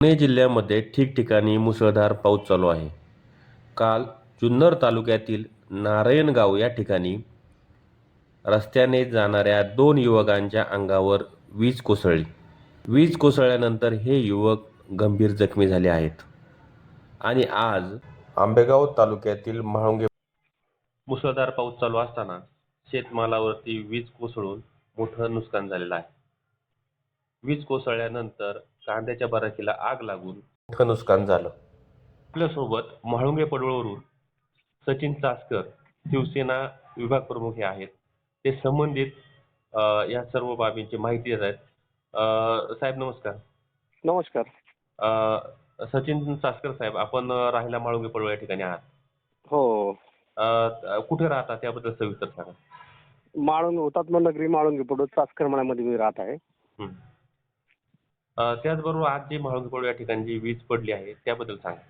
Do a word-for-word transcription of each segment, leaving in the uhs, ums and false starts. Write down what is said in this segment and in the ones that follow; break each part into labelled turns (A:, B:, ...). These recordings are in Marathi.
A: पुणे जिल्ह्यामध्ये ठिकठिकाणी मुसळधार पाऊस चालू आहे. काल जुन्नर तालुक्यातील नारायणगाव या ठिकाणी रस्त्याने जाणाऱ्या दोन युवकांच्या अंगावर वीज कोसळली. वीज कोसळल्यानंतर हे युवक गंभीर जखमी झाले आहेत. आणि आज आंबेगाव तालुक्यातील म्हाळुंगे मुसळधार पाऊस चालू असताना शेतमालावरती वीज कोसळून मोठं नुकसान झालेलं आहे. वीज कोसळल्यानंतर कांद्याच्या बराकीला आग लागून मोठं नुकसान झालं. आपल्यासोबत म्हाळुंगे पडवळवरून सचिन चासकर शिवसेना विभाग प्रमुख हे आहेत. ते संबंधित अ, या सर्व बाबींची माहिती देत आहेत. अ, साहेब नमस्कार.
B: नमस्कार.
A: अ, सचिन चासकर साहेब, आपण अ, राहायला म्हाळुंगे पडवळ या ठिकाणी आहात.
B: हो.
A: अ, अ, कुठे राहता त्याबद्दल सविस्तर सांगा.
B: माळुंगे हुतात्मा नगरी माळुंगे पडवळ चासकर मळ्यामध्ये मी राहत आहे.
A: हं. अ, त्याचबरोबर आज जी म्हाळुंगे पडवळ या ठिकाणी जी वीज पडली आहे त्याबद्दल सांगा.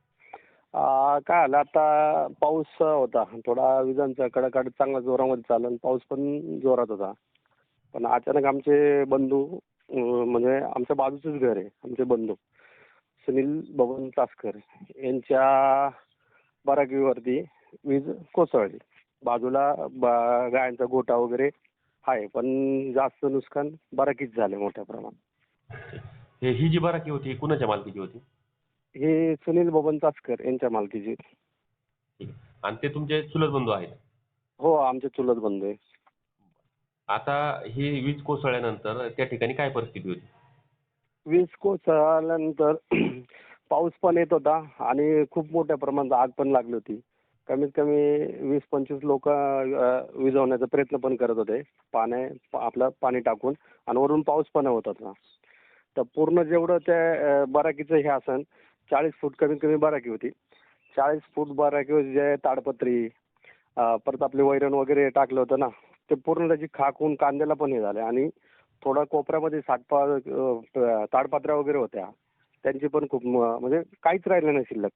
B: आ, काय झालं आता पाऊस होता थोडा विजांचा कडाका चांगला जोरामध्ये चालला आणि पाऊस पण जोरात होता. पण अचानक आमचे बंधू अ, म्हणजे आमच्या बाजूचंच घर आहे. आमचे बंधू सुनील बबन चासकर यांच्या बराकीवरती वीज कोसळली. बाजूला बा- गायांचा गोठा वगैरे आहे, पण जास्त नुकसान बराकीच झाले मोठ्या प्रमाणात.
A: हे ही जी बराकी होती ही कुणाच्या मालकीची होती?
B: हे सुनील बबन चासकर यांच्या मालकीची.
A: ठीक आहे. आणि ते तुमचे चुलत बंधू आहेत.
B: हो, आमचे चुलत बंधू आहे.
A: आता ही वीज कोसळल्यानंतर त्या ठिकाणी काय परिस्थिती होती?
B: वीज कोसळल्यानंतर पाऊस पण येत होता आणि खूप मोठ्या प्रमाणात आग पण लागली होती. कमीत कमी वीस पंचवीस लोक विझवण्याचा प्रयत्न पण करत होते, पाण्या आपलं पाणी टाकून, आणि वरून पाऊस पण होत होता. तर पूर्ण जेवढं त्या अ, बराकीचं हे असन चाळीस फूट कमीत कमी बराकी होती. चाळीस फूट बराकीवर जे ताडपत्री अ, परत आपले वैरण वगैरे टाकलं होतं ना, ते पूर्ण त्याची खाक होऊन कांद्याला पण हे झालं. आणि थोडा कोपऱ्यामध्ये साठपा अ, ताडपत्र्या वगैरे होत्या, त्यांची पण खूप म- म्हणजे काहीच राहिलं नाही शिल्लक.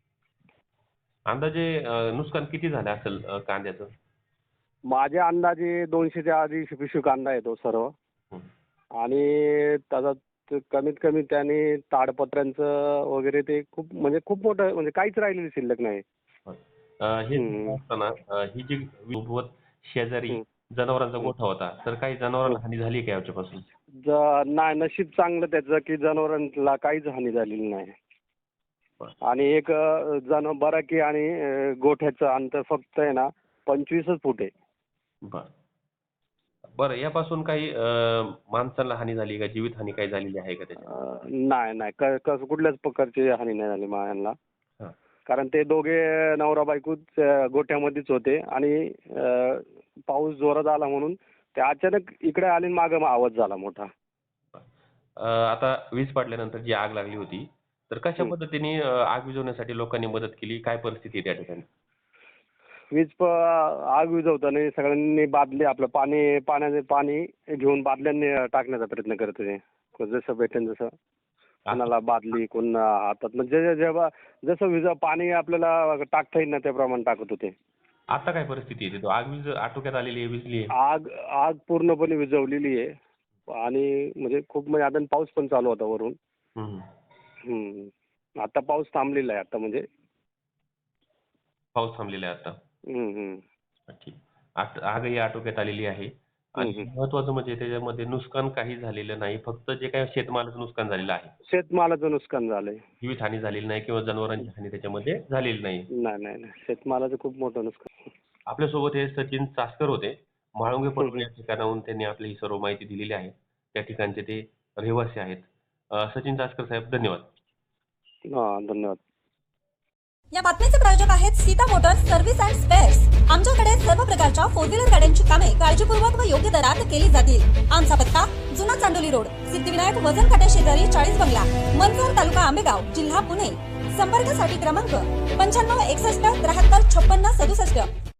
A: अंदाजे अ, नुकसान किती झालं असेल अ, कांद्याचं?
B: माझ्या अंदाजे दोनशेच्या आधी पिशवी कांदा येतो सर्व.
A: हं.
B: आणि त्याचा ते कमीत कमी त्याने ताडपत्र्यांचं वगैरे ते खूप म्हणजे खूप मोठं म्हणजे काहीच राहिलेलं शिल्लक नाही.
A: होय. अ, हे
B: हम्म.
A: असताना अ, ही जी सोबत शेजारी
B: हम्म.
A: जनावरांचा
B: हम्म.
A: गोठा होता, तर काही जनावरांना हानी झाली का याच्यापासून?
B: ज- नाही, नशीब चांगलं त्याचं की जनावरांना काहीच हानी झालेली नाही.
A: बरं.
B: आणि एक अ, जन बराकी आणि अ, गोठ्याचं अंतर फक्त आहे ना पंचवीसच फूट आहे.
A: बरं. बरं, यापासून काही अ, माणसांना हानी झाली का? जीवितहानी काही झालेली आहे का त्याच्यात?
B: अ, नाही नाही क- कस- कुठल्याच प्रकारची हानी नाही झाली मायांना.
A: हां.
B: कारण ते दोघे नवरा बायकोच अ, गोठ्यामध्येच होते आणि अ, पाऊस जोरात आला म्हणून ते अचानक इकडे आले आणि मागं आवाज झाला मोठा.
A: अ, आता वीज पडल्यानंतर जी आग लागली होती, तर कशा
B: हं.
A: पद्धतीने अ, आग विझवण्यासाठी लोकांनी मदत केली? काय परिस्थिती आहे त्या ठिकाणी?
B: वीज प आग विझवताना सगळ्यांनी बादली आपलं पाणी पाण्याचे पाणी घेऊन बादल्यांनी टाकण्याचा प्रयत्न करत होते. जसं भेटेल तसं. कोणाला बादली, कोणा हातात, म्हणजे जेव्हा जसं विज पाणी आपल्याला टाकता येईल ना त्याप्रमाणे टाकत होते.
A: आता काय परिस्थिती आहे तिथं? आग वीज आटोक्यात आलेली आहे, विझली आहे?
B: आग आग पूर्णपणे विझवलेली आहे. आणि म्हणजे खूप म्हणजे आता पाऊस पण चालू होता वरून.
A: हं.
B: हम्म. आता पाऊस थांबलेला आहे आता म्हणजे.
A: पाऊस थांबलेला आहे आता.
B: हम्म, हम्म.
A: ठीक. आत आगही आटोक्यात आलेली आहे
B: हम्म,
A: आणि
B: हम्म.
A: महत्त्वाचं म्हणजे त्याच्यामध्ये नुकसान काही झालेलं नाही. फक्त जे काही शेतमालाचं नुकसान झालेलं आहे.
B: शेतमालाचं नुकसान झालंय.
A: जीवितहानी झालेली नाही किंवा जनावरांची हानी त्याच्यामध्ये झालेली नाही.
B: नाही नाही नाही शेतमालाचं खूप मोठं नुकसान.
A: आपल्यासोबत हे सचिन चासकर होते. म्हाळुंगे
B: हम्म,
A: पडवळ
B: हम्म.
A: या ठिकाणाहून त्यांनी आपली ही सर्व माहिती दिलेली आहे. त्या ठिकाणचे ते रहिवासी आहेत. अ, सचिन चासकर साहेब, धन्यवाद.
B: हा, धन्यवाद.
C: या बातमीचे प्रायोजक आहेत Sita motors service and spares. आमच्याकडे सर्व प्रकारच्या फोर व्हीलर गाड्यांची कामे काळजीपूर्वक व योग्य दरात केली जातील. आमचा पत्ता जुना चांडोली रोड, सिद्धिविनायक वजन काट्या शेजारी चाळीस बंगला, मनसर, तालुका आंबेगाव, जिल्हा पुणे. संपर्कासाठी क्रमांक पंच्याण्णव एकसष्ट त्र्याहत्तर छप्पन्न सदुसष्ट.